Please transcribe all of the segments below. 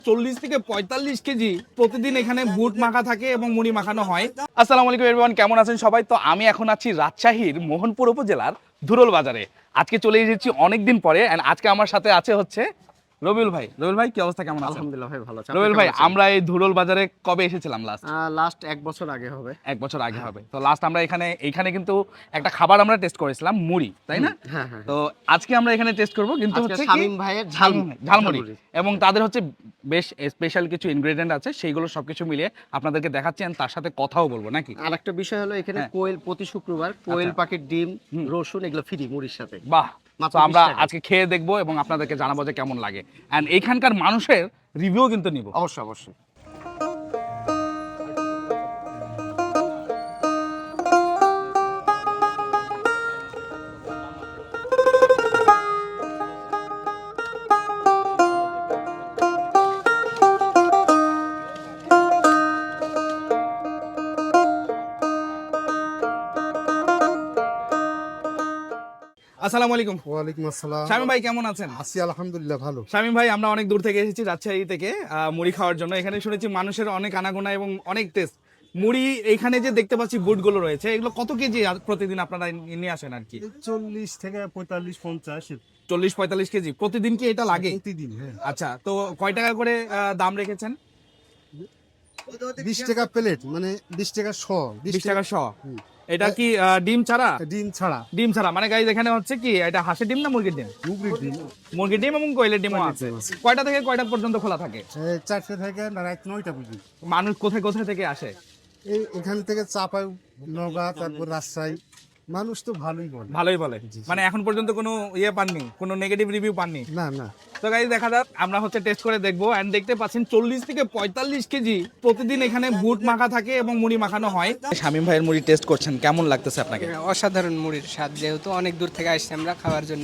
40 থেকে 45 কেজি প্রতিদিন এখানে বুট মাখা থাকে এবং মুড়ি মাখানো হয়। আসসালামু আলাইকুম এভরিওয়ান, কেমন আছেন সবাই? তো আমি এখন আছি রাজশাহীর মোহনপুর উপজেলার ধুরল বাজারে। আজকে চলে এসেছি অনেকদিন পরে, এন্ড আজকে আমার সাথে আছে হচ্ছে রবিউল ভাই। রবিউল ভাই, কি অবস্থা, কেমন আছেন? আলহামদুলিল্লাহ ভাই, ভালো আছি। রবিউল ভাই, আমরা এই ধুরল বাজারে কবে এসেছিলাম লাস্ট? লাস্ট 1 বছর আগে হবে। 1 বছর আগে হবে। তো লাস্ট আমরা এখানে কিন্তু একটা খাবার আমরা টেস্ট করেছিলাম, মুড়ি, তাই না? হ্যাঁ হ্যাঁ। তো আজকে আমরা এখানে টেস্ট করব, কিন্তু আজকে হচ্ছে কি শামীম ভাইয়ের ঝালমুড়ি, এবং তাদের হচ্ছে বেশ স্পেশাল কিছু ইনগ্রেডিয়েন্ট আছে, সেইগুলো সবকিছু মিলিয়ে আপনাদেরকে দেখাচ্ছি, and তার সাথে কথাও বলবো নাকি। আর একটা বিষয় হলো এখানে হ্যাঁ। কোয়েল প্রতি শুক্রবার কোয়েল পাখির ডিম, রসুন এগুলো ফ্রি মুড়ির সাথে। বাহ, মাত্র তো আমরা 20 টাকায়। আজকে খেয়ে দেখবো এবং আপনাদেরকে জানাবো যে কেমন লাগে, এন্ড এইখানকার মানুষের রিভিউ কিন্তু নিব। অবশ্যই অবশ্যই। আসসালামু আলাইকুম। ওয়ালাইকুম আসসালাম। শামীম ভাই, কেমন আছেন? আছি আলহামদুলিল্লাহ, ভালো। শামীম ভাই, আমরা অনেক দূর থেকে এসেছি রাজশাহী থেকে মুড়ি খাওয়ার জন্য। এখানে শুনেছি মানুষের অনেক আনাগোনা এবং অনেক টেস্ট মুড়ি। এখানে যে দেখতে পাচ্ছি বুটগুলো রয়েছে, এগুলো কত কেজি প্রতিদিন আপনারা নিয়ে আসেন আর কি? 40 থেকে 45 50 40-45 কেজি প্রতিদিন কি এটা লাগে? প্রতিদিন। হ্যাঁ, আচ্ছা, তো কয় টাকা করে দাম রেখেছেন? 20 টাকা প্লেট, মানে 20 টাকা শ। 20 টাকা শ। এটা কি ডিম ছাড়া? ডিম ছাড়া। ডিম ছাড়া মানে গাইজ, এখানে হচ্ছে কি, এটা হাঁসের ডিম না মুরগির ডিম? মুগরির ডিম। মুরগির ডিম এবং কোয়েলের ডিমও আছে। কয়টা থেকে কয়টা পর্যন্ত খোলা থাকে? 4টা থেকে রাত 9টা পর্যন্ত। মানুষ কোথায় কোথায় থেকে আসে? এখান থেকে চাপাই, নওগাঁ, তারপর রাজশাহী। মানুষ তো ভালোই বলে। ভালোই বলে, মানে এখন পর্যন্ত কোনো ইয়ে পাননি, কোনো নেগেটিভ রিভিউ পাননি? না না। তো গাইজ, দেখা যাক, আমরা হচ্ছে টেস্ট করে দেখবো। এন্ড দেখতে পাচ্ছেন 40 থেকে 45 কেজি প্রতিদিন এখানে বুট মাখা থাকে এবং মুড়ি মাখানো হয়। শামীম ভাইয়ের মুড়ি টেস্ট করছেন, কেমন লাগতেছে আপনাকে? অসাধারণ মুড়ির স্বাদ, যেহেতু অনেক দূর থেকে আসছি আমরা খাওয়ার জন্য,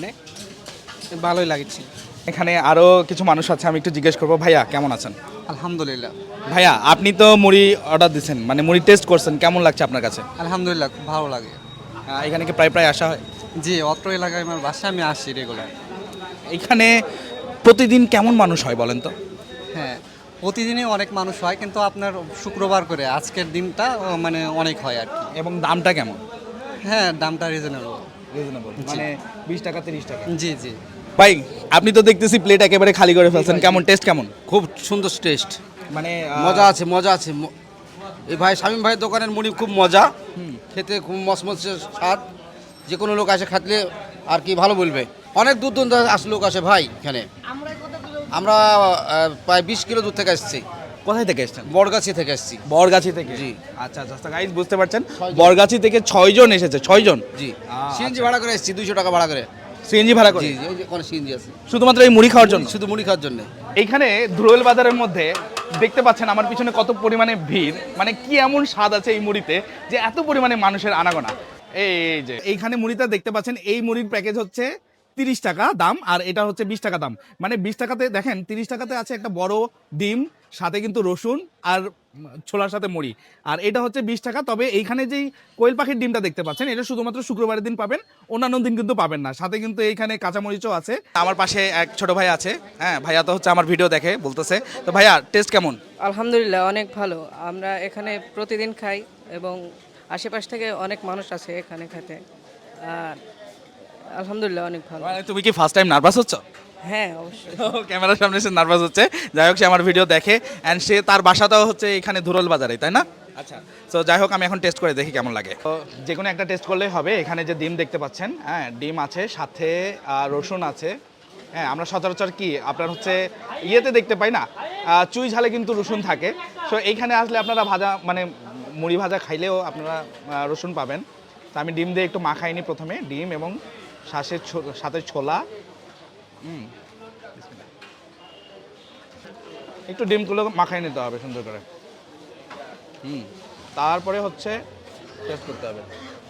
ভালোই লাগছে। এখানে আরো কিছু মানুষ আছে, আমি একটু জিজ্ঞেস করবো। ভাইয়া, কেমন আছেন? আলহামদুলিল্লাহ। ভাইয়া, আপনি তো মুড়ি অর্ডার দিচ্ছেন, মানে মুড়ি টেস্ট করছেন, কেমন লাগছে আপনার কাছে? আলহামদুলিল্লাহ, খুব ভালো লাগে। এখানে কি প্রায় প্রায় আসা হয়? জি, অত্র এলাকায় আমার বাসা, আমি আসি রেগুলার। এখানে প্রতিদিন কেমন মানুষ হয় বলেন তো? হ্যাঁ, প্রতিদিনই অনেক মানুষ হয়, কিন্তু আপনার শুক্রবার করে আজকের দিনটা মানে অনেক হয় আর কি। এবং দামটা কেমন? হ্যাঁ, দামটা রিজনেবল। রিজনেবল, মানে 20 টাকা 30 টাকা। জি জি। ভাই, আপনি তো দেখতেছি প্লেট একেবারে খালি করে ফেলছেন, কেমন টেস্ট কেমন? খুব সুন্দর টেস্ট, মানে মজা আছে মজা আছে। এই ভাই শামীম ভাইয়ের দোকানের মুড়ি খুব মজা, খেতে খুব মসমসে স্বাদ। যে কোনো লোক আসে খাতলে আর কি ভালো বলবে। অনেক দূর দূর আসে লোক আসে ভাই এখানে। আমরা প্রায় 20 কিলো দূর থেকে আসছি। কোথায় থেকে এসেছেন? বড়গাছি থেকে আসছি। বরগাছি থেকে? জি। আচ্ছা আচ্ছা গাইস, বুঝতে পারছেন, বরগাছি থেকে 6 জন এসেছে। 6 জন? জি। সিএনজি ভাড়া করে এসছি, 200 টাকা ভাড়া করে। সিএনজি ভাড়া করে? জি জি, ওই যে কোনো সিএনজি আছে, শুধুমাত্র এই মুড়ি খাওয়ার জন্য? শুধু মুড়ি খাওয়ার জন্য। এইখানে ধুরুয়েল বাজারের মধ্যে দেখতে পাচ্ছেন আমার পিছনে কত পরিমাণে ভিড়, মানে কি এমন স্বাদ আছে এই মুড়িতে যে এত পরিমাণে মানুষের আনাগোনা। এই যে এইখানে মুড়িটা দেখতে পাচ্ছেন, এই মুড়ির প্যাকেজ হচ্ছে 30 টাকা দাম, আর এটা হচ্ছে 20 টাকা দাম। মানে 20 টাকাতে দেখেন, 30 টাকাতে আছে একটা বড় ডিম, সাথে কিন্তু রসুন আর ছোলার সাথে মুড়ি, আর এটা হচ্ছে 20 টাকা। তবে এইখানে যেই কোয়েল পাখির ডিমটা দেখতে পাচ্ছেন, এটা শুধুমাত্র শুক্রবারের দিন পাবেন, অন্যান্য দিন কিন্তু পাবেন না। সাথে কিন্তু এইখানে কাঁচামরিচও আছে। আমার পাশে এক ছোট ভাই আছে, হ্যাঁ, ভাইয়া তো হচ্ছে আমার ভিডিও দেখে, বলতেছে। তো ভাইয়া, টেস্ট কেমন? আলহামদুলিল্লাহ, অনেক ভালো। আমরা এখানে প্রতিদিন খাই এবং আশেপাশ থেকে অনেক মানুষ আছে এখানে খেতে। আর আলহামদুলিল্লাহ, অনেক ভালো। মানে তুমি কি ফার্স্ট টাইম নার্ভাস হচ্ছ? হ্যাঁ, অবশ্যই। ক্যামেরার সামনে সে নার্ভাস হচ্ছে। যাই হোক, সে আমার ভিডিও দেখে, অ্যান্ড সে তার বাসাটাও হচ্ছে এখানে ধুরল বাজারে, তাই না? আচ্ছা, তো যাই হোক, আমি এখন টেস্ট করে দেখি কেমন লাগে। তো যে কোনো একটা টেস্ট করলেই হবে। এখানে যে ডিম দেখতে পাচ্ছেন, হ্যাঁ, ডিম আছে, সাথে রসুন আছে। হ্যাঁ, আমরা সচরাচর কি আপনার হচ্ছে ইয়েতে দেখতে পাই না, চুই ঝালে কিন্তু রসুন থাকে। সো এইখানে আসলে আপনারা ভাজা, মানে মুড়ি ভাজা খাইলেও আপনারা রসুন পাবেন। তো আমি ডিম দিয়ে একটু মাখাইনি প্রথমে, ডিম এবং সাথে ছোলা। একটু ডিমগুলো মাখাই নিতে হবে সুন্দর করে। তারপরে হচ্ছে টেস্ট করতে হবে।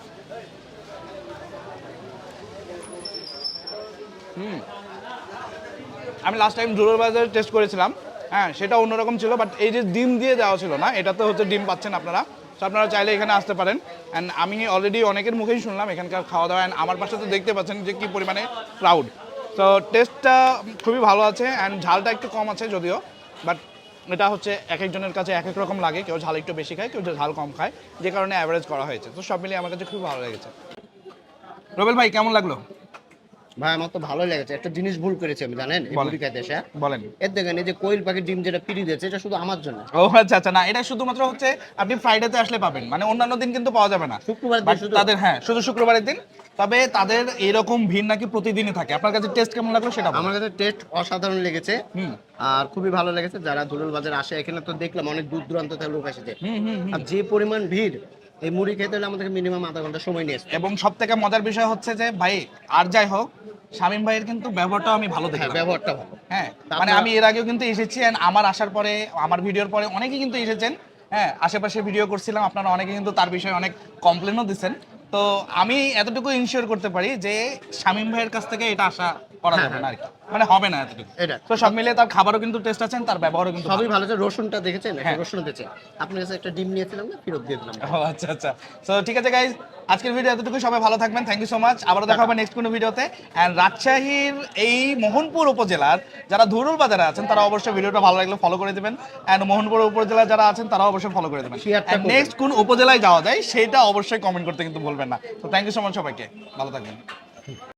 আমি লাস্ট টাইম ধুরুল বাজারে টেস্ট করেছিলাম, হ্যাঁ, সেটা অন্যরকম ছিল, বাট এই যে ডিম দিয়ে দেওয়া ছিল না, এটাতে হচ্ছে ডিম পাচ্ছেন আপনারা। তো আপনারা চাইলে এখানে আসতে পারেন। অ্যান্ড আমি অলরেডি অনেকের মুখেই শুনলাম এখানকার খাওয়া দাওয়া, অ্যান্ড আমার পাশে তো দেখতে পাচ্ছেন যে কী পরিমাণে ক্রাউড। তো টেস্টটা খুবই ভালো আছে, অ্যান্ড ঝালটা একটু কম আছে যদিও। বাট এটা হচ্ছে এক একজনের কাছে এক এক রকম লাগে, কেউ ঝাল একটু বেশি খায়, কেউ ঝাল কম খায়, যে কারণে অ্যাভারেজ করা হয়েছে। তো সব মিলিয়ে আমার কাছে খুব ভালো লেগেছে। রবেল ভাই কেমন লাগলো? ভাই আমার তো ভালোই লেগেছে। একটা জিনিস ভুল করেছি আমি, জানেন, এই বলেন। মুড়ি খাইতে এসে। বলেন। এর দেখেন এই যে কোয়েল পাখির ডিম যেটা পিড়ি দিয়েছে, এটা শুধু আমার জন্য। ও আচ্ছা আচ্ছা, না এটা শুধুমাত্র হচ্ছে আপনি ফ্রাইডেতে আসলে পাবেন, মানে অন্যান্য দিন কিন্তু পাওয়া যাবে না। শুক্রবার দিন But শুধু? তাদের হ্যাঁ শুধু শুক্রবারের দিন। তবে তাদের এরকম ভিড় নাকি প্রতিদিনই থাকে। আপনার কাছে টেস্ট কেমন লাগলো সেটা বলুন। আমার কাছে টেস্ট অসাধারণ লেগেছে হুম। আর খুবই ভালো লেগেছে। যারা ধুলুল বাজার আসে, এখানে তো দেখলাম অনেক দূর দূরান্ত থেকে লোক এসেছে। আর যে পরিমাণ ভিড়, এই মুড়ি খেতে হলে আমাদেরকে মিনিমাম আধা ঘন্টা সময় নিয়ে আসতে হবে। এবং সব থেকে মজার বিষয় হচ্ছে যে ভাই আর যাই হোক, শামীম ভাইয়ের কিন্তু ব্যবহারটাও আমি ভালো দেখি। হ্যাঁ, ব্যবহারটা ভালো। হ্যাঁ, তারপরে- মানে আমি এর আগেও কিন্তু এসেছি and আমার আসার পরে আমার ভিডিওর পরে অনেকেই কিন্তু এসেছেন। হ্যাঁ, আশেপাশে ভিডিও করছিলাম, আপনারা অনেকে কিন্তু তার বিষয়ে অনেক কমপ্লেনও দিচ্ছেন। তো আমি এতটুকু ইনশিওর করতে পারি যে শামীম ভাইয়ের কাছ থেকে এটা আশা করা যাবে না আর কি, মানে হবে না এতটুকু। এটা। তো সব মিলিয়ে তার খাবারও কিন্তু টেস্ট আছেন, তার ব্যবহারও কিন্তু সবই ভালো আছে। রসুনটা দেখেছেন? একটা হ্যাঁ। রসুন দিয়েছে। আপনার কাছে একটা ডিম নিয়েছিলাম না, ফেরত দিয়ে দিলাম। ও আচ্ছা আচ্ছা। সো ঠিক আছে গাইজ, আজকের ভিডিও এতটুকু, সবাই ভালো থাকবেন, থ্যাংক ইউ সো মাচ। আবারও দেখা হবে নেক্সট কোনো ভিডিওতে। অ্যান্ড রাজশাহীর এই মোহনপুর উপজেলার যারা ধুরুল বাজারে আছেন তারা অবশ্যই ভিডিওটা ভালো লাগলে ফলো করে দেবেন, অ্যান্ড মোহনপুর উপজেলার যারা আছেন তারা অবশ্যই ফলো করে দেবেন। শেয়ারটা করবেন। নেক্সট কোন উপজেলায় যাওয়া যায় সেটা অবশ্যই কমেন্ট করতে কিন্তু বলবেন না। তো থ্যাংক ইউ সো মাচ সবাইকে, ভালো থাকবেন।